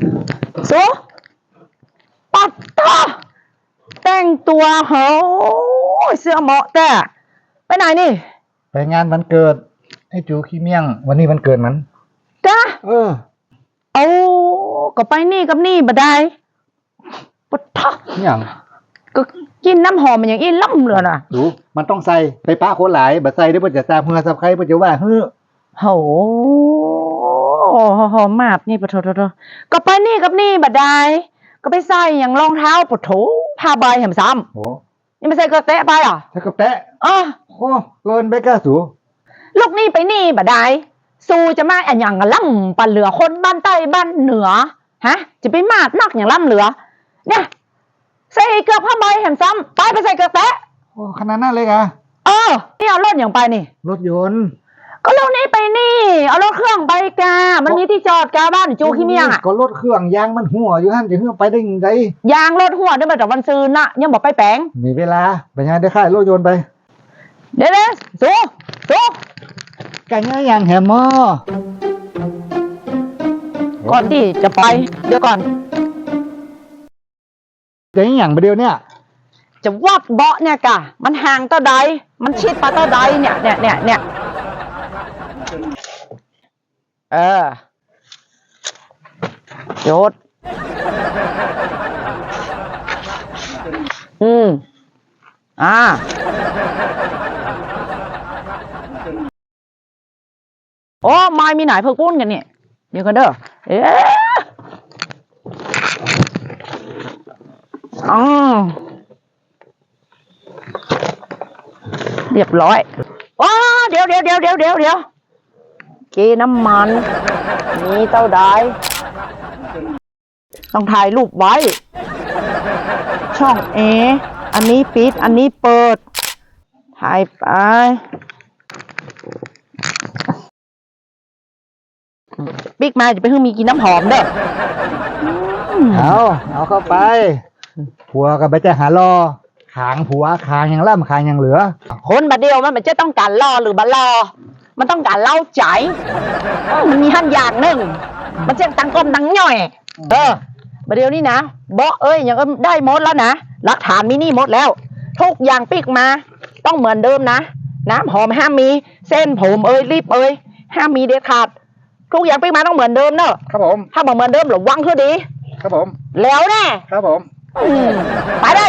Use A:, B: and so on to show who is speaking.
A: สูปัดตาแต่งตัวเฮ้เสื้อเหมาะแต่ไปไหนนี่
B: ไปงานวันเกิดไอ้จูขี้เมี่ยงวันนี้วันเกิดมัน
A: จ้า
B: เอา
A: ก็ไปนี่กับนี่บ่ได้ปัดตา
B: อย่าง
A: ก็กินน้ำหอมมันอย่างอีล่ำเลยนะ
B: ดูมันต้องใส่ไปป้าคนหลายบัดใส่ได้เพิ่นจะทราบเพื่อสับใครเพิ่นจะว่าเฮ้อ
A: โหหอมมากนี่ปะโถก็ไปนี่กับนี่บ่ได้ก็ไปใส่อย่างรองเท้าปะโถผ้าใบแหมซ้ำ
B: โอ้
A: นี่ไม่ใส่กระแตะไปอ่ะ
B: ใส่กระแตะ
A: โอ้
B: เกินไปก้าสู
A: ลูกนี่ไปนี่บ่ได้สู้จะมาอันอย่างล่ำปันเหลือคนบ้านใต้บ้านเหนือฮะจะไปมากนักอย่างล่ำเหลือเนี่ยใส่เกือบผ้าใบแหมซ้ำไปใส่กระแตะ
B: โอ้ขนาดนั้นเลยกะ
A: นี่เอารถอย่างไปนี่
B: รถยนต์
A: ก็เรานี่ไปนี่เอารถเครื่องไปกามันมีที่จอดกาบ้านจูขี้เมียงอ่ะ
B: ก็รถเครื่องยางมันหัวอยู่ท่านจะเพื่อไปได้ยังไง
A: ยางรถหัวได้มาจากวันซืนน่ะยังบอกไปแปลง
B: มีเวลาไปงานได้ค่ายรถยนต์ไป
A: เดี๋ยวสู้
B: กันง่ายอย่างแหมมอ
A: ก่อนที่จะไปเดี๋ยวก่อน
B: จะอย่างไปเดียวเนี่ย
A: จะวัดเบาะเนี่ยกะมันห่างต่อใดมันชิดปะต่อใดเนี่ยโยดโอ้ไม่มีไหนเพิ่งปุ้นกันเนี่ยเดี๋ยวกันเด้อเรียบร้อยว้าเดี๋ยวกีน้ำมันมีเต้าได้ต้องถ่ายรูปไว้ช่องอันนี้ปิดอันนี้เปิดถ่ายไปปิ๊กมาจะไปเพิ่งมีกินน้ำหอมเด้อ
B: เอาเข้าไปผัวกับไปจะหารอขางผัวขางอย่างล่ำขางอย่างเหลือ
A: คนบัดเดียวมันจะต้องการรอหรือบัดรอมันต้องการเล่าใจมันมีขั้นอย่างหนึ่งมันจะตังกลมตังย่อยบัดเดียวนี่นะเบาะยังก็ได้หมดแล้วนะหลักฐานมินี่หมดแล้วทุกอย่างปิ๊กมาต้องเหมือนเดิมนะน้ำหอมห้ามมีเส้นผมรีบห้ามมีเด็ดขาดทุกอย่างปิ๊กมาต้องเหมือนเดิมเนอะ
B: ครับผม
A: ถ้าบอกเหมือนเดิมหรือวังคือดี
B: ครับผม
A: แล้วแน่
B: ครับผม
A: ไปได้